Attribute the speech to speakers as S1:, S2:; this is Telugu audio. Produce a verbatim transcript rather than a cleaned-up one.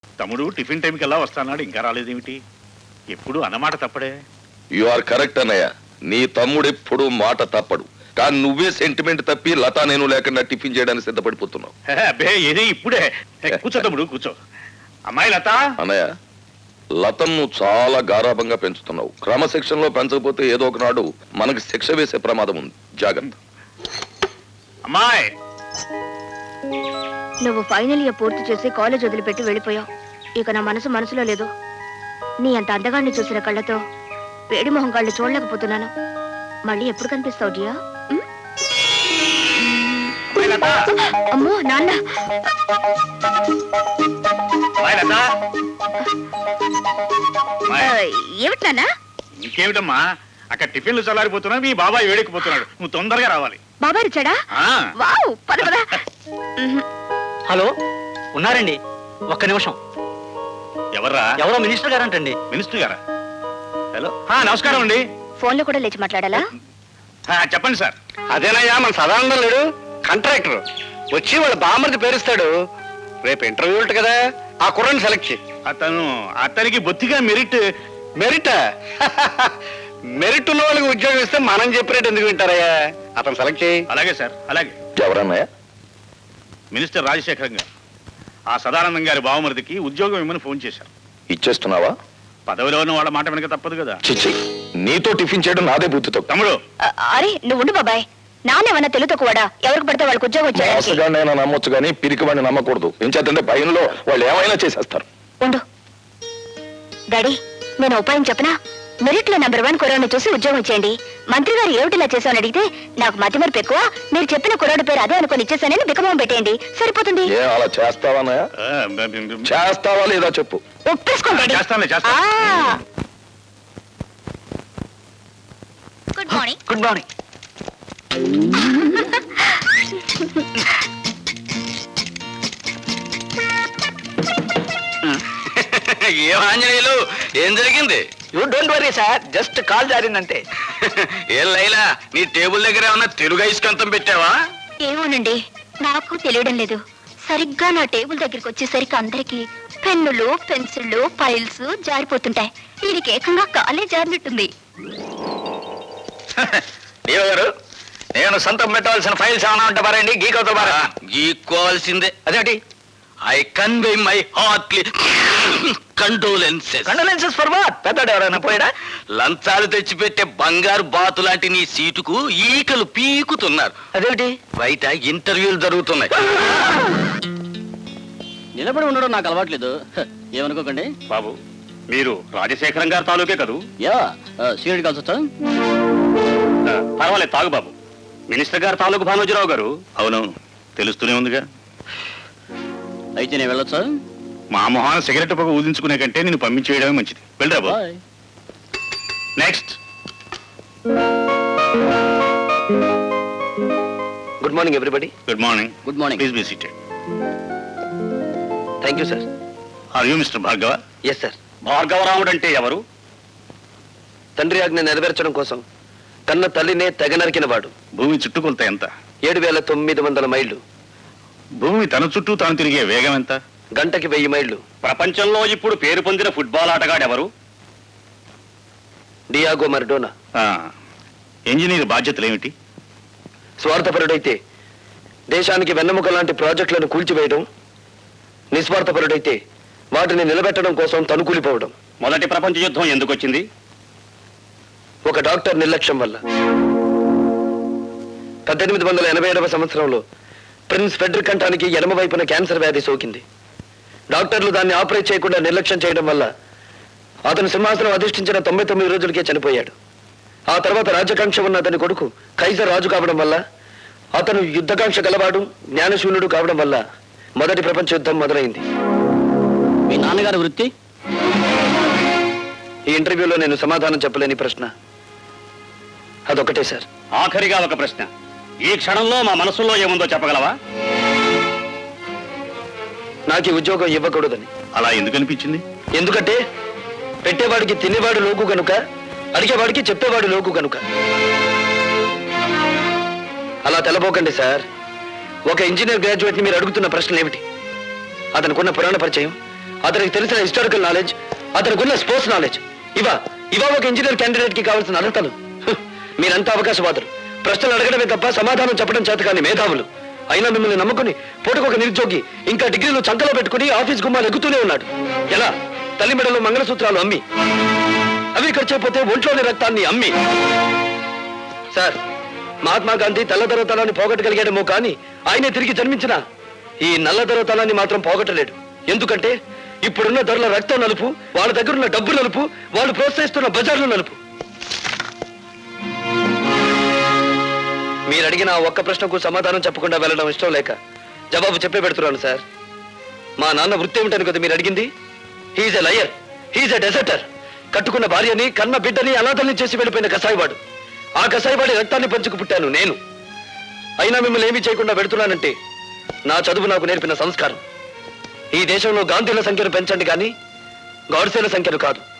S1: తమ్ముడు టిఫిన్ టైంకి ఎలా వస్తానాడు, ఇంకా రాలేదేమిటి? ఎప్పుడు అన్నమాట తప్పడే.
S2: యు ఆర్ కరెక్ట్ అన్నయ్య. నీ తమ్ముడు ఎప్పుడు మాట తప్పడు. కానీ నువ్వే సెంటిమెంట్ తప్పి లతా నేను లేకుండా టిఫిన్ చేయడానికి సిద్ధపడిపోతున్నావు.
S1: అబ్బే ఏది ఇప్పుడే. కూర్చో తమ్ముడు కూర్చో. అమ్మాయి లత.
S2: అన్నయ్య, లతను చాలా గారాభంగా పెంచుతున్నావు. క్రమశిక్షణలో పెంచకపోతే ఏదో ఒకనాడు మనకి శిక్ష వేసే ప్రమాదం ఉంది. జాగ్రత్త.
S1: అమ్మాయి,
S3: నువ్వు ఫైనల్ ఇయర్ పూర్తి చేసి కాలేజ్ వదిలిపెట్టి వెళ్ళిపోయావు. ఇక నా మనసు మనసులో లేదు. నీ అంత అందగాన్ని చూసిన కళ్ళతో వేడి మొహం కళ్ళు చూడలేకపోతున్నాను. మళ్ళీ ఎప్పుడు కనిపిస్తావు జియా? అమ్మో నాన్న. ఏమిటి నాన్న?
S1: ఇంకేమిటమ్మా, అక్కడ టిఫిన్లు చల్లారిపోతున్నా, మీ బాబాయ్ వేడెక్కిపోతున్నాడు. నువ్వు తొందరగా రావాలి.
S3: బాబాయ్ వచ్చాడా? వావ్, పద పద.
S4: హలో, ఉన్నారండి? ఒక్క నిమిషం.
S1: ఎవర్రా?
S4: ఎవరో మినిస్టర్ గారంటండి.
S1: మినిస్టర్ గారా? హలో, నమస్కారం అండి.
S3: ఫోన్ లో కూడా లేచి మాట్లాడాలా?
S1: చెప్పండి సార్.
S4: అదేనయ్యా, మన సదానందం లేడు, కాంట్రాక్టర్ వచ్చి వాళ్ళ బామ్మర్ది పేరుస్తాడు. రేపు ఇంటర్వ్యూ ఉంటుంది కదా, ఆ కుర్రని సెలెక్ట్ చేయి.
S1: అతను అతనికి బొత్తిగా మెరిట్.
S4: మెరిట్ మెరిట్ ఉన్న వాళ్ళకి ఉద్యోగం ఇస్తే మనం చెప్పినట్టు ఎందుకు వింటారయ్యా? అతను సెలెక్ట్ చేయి.
S1: అలాగే సార్, అలాగే.
S2: ఎవరన్నయ్య?
S1: మినిస్టర్ రాజశేఖరం గారు ఆ సదానందం గారి బావమరిదికి ఉద్యోగం ఇమ్మని ఫోన్ చేశారు.
S2: ఇచ్చేస్తున్నావా?
S1: పదవిలో ఉన్న వాళ్ళ మాట వెనక తప్పదు కదా.
S2: చిచ్చి, నీతో టిఫిన్ చేయడం నాదే బుద్ధితో.
S1: తమ్ముడు,
S3: అరే నువ్వు ఉండు బాబాయ్. నాన్నేమన్నా తెలుతో కూడా ఎవరికి పడితే వాళ్ళకి ఉద్యోగం వచ్చాడు.
S2: మోసగాడినైనా నమ్మొచ్చు కానీ పిరికి వాడిని నమ్మకూడదు. ఎంచేతంటే భయంలో వాళ్ళు ఏమైనా చేసేస్తారు.
S3: ఉండు డాడీ, నేను ఉపాయం చెప్పనా? మెరిట్ లో నెంబర్ వన్ కుర్రాడిని చూసి ఉద్యోగం ఇచ్చేయండి. మంత్రి గారు ఏమిటిలా చేశామని అడిగితే నాకు మతి మరపు ఎక్కువ, మీరు చెప్పిన కుర్రాడు పేరు అదే అనుకుని ఇచ్చేసానని బికమం పెట్టేయండి, సరిపోతుంది.
S2: ఏ అలా చేస్తావా? చేస్తావా లేదా చెప్పు.
S3: ఒప్పేసుకోండి.
S1: చేస్తానులే, చేస్తా.
S3: Good morning.
S4: Good morning.
S5: ఏం ఆంజనేయులు, ఏం జరిగింది?
S4: You don't worry sir, just call జారిందంటే.
S5: ఏం లైలా, నీ టేబుల్ దగ్గర ఏమన్నా తెలుగు ఐస్కంతం పెట్టావా?
S3: ఏమోనండి, నాకు తెలియడం లేదు. సరిగ్గా నా టేబుల్ దగ్గరికి వచ్చేసరికి అందరికి పెన్నులు, పెన్సిళ్ళు, ఫైల్స్ జారిపోతుంటాయి. దీనికి ఏకంగా కాలే జారినట్టుంది.
S5: దేవ గారు, నేను సొంతం పెట్టవలసిన ఫైల్స్ ఏమైనా ఉంటే పారండి, గీకవుతా పారా. గీక్కోవాల్సిందే.
S4: అదేంటి?
S5: I convey my heartly condolences.
S4: Condolences for what? పెద్దడు ఎవరైనా పోయాడా?
S5: లంచాలు తెచ్చిపెట్టే బంగారు బాతు లాంటి నీ సీటుకు ఈకలు పీకుతున్నారు.
S4: అదేంటి?
S5: బయట ఇంటర్వ్యూలు జరుగుతున్నాయి.
S4: నిలబడి ఉండడం నాకు అలవాట్లేదు, ఏమనుకోకండి.
S1: బాబు, మీరు రాజశేఖరం గారి తాలూకే కదూ?
S4: యా, సీనియర్ కలిసి వచ్చా?
S1: పర్వాలేదు, తాగు బాబు. మినిస్టర్ గారు తాలూకు భానోజీరావు గారు. అవునవును, తెలుస్తూనే ఉందిగా.
S4: అయితే నేను వెళ్ళొచ్చా?
S1: మా మొహాన సిగరెట్ పొగ ఊదించుకునే కంటే నేను పంపించేయడమే మంచిది. వెళ్ళరా బాబు. Next.
S6: Good morning everybody.
S1: Good morning.
S4: Good morning.
S1: Please be seated.
S6: Thank you sir.
S1: Are you mister Bhargava?
S6: Yes sir.
S1: భార్గవరాముడు అంటే ఎవరు?
S6: తండ్రి ఆజ్ఞ నెరవేర్చడం కోసం కన్న తల్లినే తెగ నరికిన వాడు.
S1: భూమి చుట్టుకొలత ఎంత?
S6: ఏడు వేల తొమ్మిది వందల మైళ్ళు.
S1: భూమి తన చుట్టూ తాను తిరిగే వేగం ఎంత?
S6: గంటకి వెయ్యి మైళ్ళు.
S1: ప్రపంచంలో ఇప్పుడు పేరు పొందిన ఫుట్బాల్ ఆటగాడు ఎవరు?
S6: డియాగో మర్డోనా.
S1: ఇంజనీర్ బాధ్యతలు ఏమిటి?
S6: స్వార్థపరుడైతే దేశానికి వెన్నెముక లాంటి ప్రాజెక్టులను కూల్చివేయడం, నిస్వార్థపరుడైతే వాటిని నిలబెట్టడం కోసం తనుకూలిపోవడం.
S1: మొదటి ప్రపంచ యుద్ధం ఎందుకు వచ్చింది?
S6: ఒక డాక్టర్ నిర్లక్ష్యం వల్ల. పద్దెనిమిది వందల ఎనభై ఏడవ సంవత్సరంలో ప్రిన్స్ ఫెడ్రిక్ కంఠానికి ఎడమ వైపున క్యాన్సర్ వ్యాధి సోకింది. డాక్టర్లు దాన్ని ఆపరేట్ చేయకుండా నిర్లక్ష్యం చేయడం వల్ల అతను సింహాసనం అధిష్ఠించిన తొంభై తొమ్మిది రోజులకే చనిపోయాడు. ఆ తర్వాత రాజకాంక్ష ఉన్న అతని కొడుకు కైజర్ రాజు కావడం వల్ల, అతను యుద్ధకాంక్ష గలవాడు, జ్ఞానశూన్యుడు కావడం వల్ల మొదటి ప్రపంచ యుద్ధం మొదలైంది.
S4: మీ నాన్నగారి వృత్తి?
S6: ఈ ఇంటర్వ్యూలో నేను సమాధానం చెప్పలేని ప్రశ్న అదొకటే సార్.
S1: ఆఖరిగా ఒక ప్రశ్న. ఈ క్షణంలో మా మనసులో ఏముందో చెప్పగలవా?
S6: నాకు ఈ ఉద్యోగం ఇవ్వకూడదని.
S1: అలా ఎందుకు అనిపించింది?
S6: ఎందుకంటే పెట్టేవాడికి తినేవాడు లోకు కనుక, అడిగేవాడికి చెప్పేవాడు లోకు కనుక. అలా తెలబోకండి సార్. ఒక ఇంజనీర్ గ్రాడ్యుయేట్ ని మీరు అడుగుతున్న ప్రశ్నలు ఏమిటి? అతనుకున్న పురాణ పరిచయం, అతనికి తెలిసిన హిస్టారికల్ నాలెడ్జ్, అతనికి ఉన్న స్పోర్ట్స్ నాలెడ్జ్, ఇవా ఇవా ఒక ఇంజనీర్ క్యాండిడేట్ కి కావాల్సిన అర్హతలు. హ్, మీరంతా అవకాశవాదులు, ప్రశ్నలు అడగడమే తప్ప సమాధానం చెప్పడం చేత కానీ మేధావులు. అయినా మిమ్మల్ని నమ్ముకుని పూటకొక నిరుద్యోగి ఇంకా డిగ్రీలు చంకలో పెట్టుకుని ఆఫీస్ గుమ్మాలు ఎగుతూనే ఉన్నాడు. ఎలా? తల్లి మెడలో మంగళసూత్రాలు అమ్మి, అవి ఖర్చైపోతే ఒంట్లోని రక్తాన్ని అమ్మి. సార్, మహాత్మా గాంధీ తెల్లదొరతనాన్ని పోగొట్టగలిగాడేమో కానీ ఆయనే తిరిగి జన్మించిన ఈ నల్లదొరతనాన్ని మాత్రం పోగొట్టలేడు. ఎందుకంటే ఇప్పుడున్న ధరల రక్తం నలుపు, వాళ్ళ దగ్గరున్న డబ్బు నలుపు, వాళ్ళు ప్రోత్సహిస్తున్న బజార్లు నలుపు. మీరు అడిగిన ఆ ఒక్క ప్రశ్నకు సమాధానం చెప్పకుండా వెళ్ళడం ఇష్టం లేక జవాబు చెప్పే పెడుతున్నాను సార్. మా నాన్న వృత్తి ఏమిటని కదా మీరు అడిగింది? హీఈస్ ఎ లయర్, హీఈస్ ఎ డెజర్టర్. కట్టుకున్న భార్యని, కన్న బిడ్డని అనాథల్ని చేసి వెళ్ళిపోయిన కసాయివాడు. ఆ కసాయివాడి రక్తాన్ని పంచుకు పుట్టాను నేను. అయినా మిమ్మల్ని ఏమీ చేయకుండా పెడుతున్నానంటే నా చదువు నాకు నేర్పిన సంస్కారం. ఈ దేశంలో గాంధీల సంఖ్యను పెంచండి కానీ గాడ్సేల సంఖ్యను కాదు.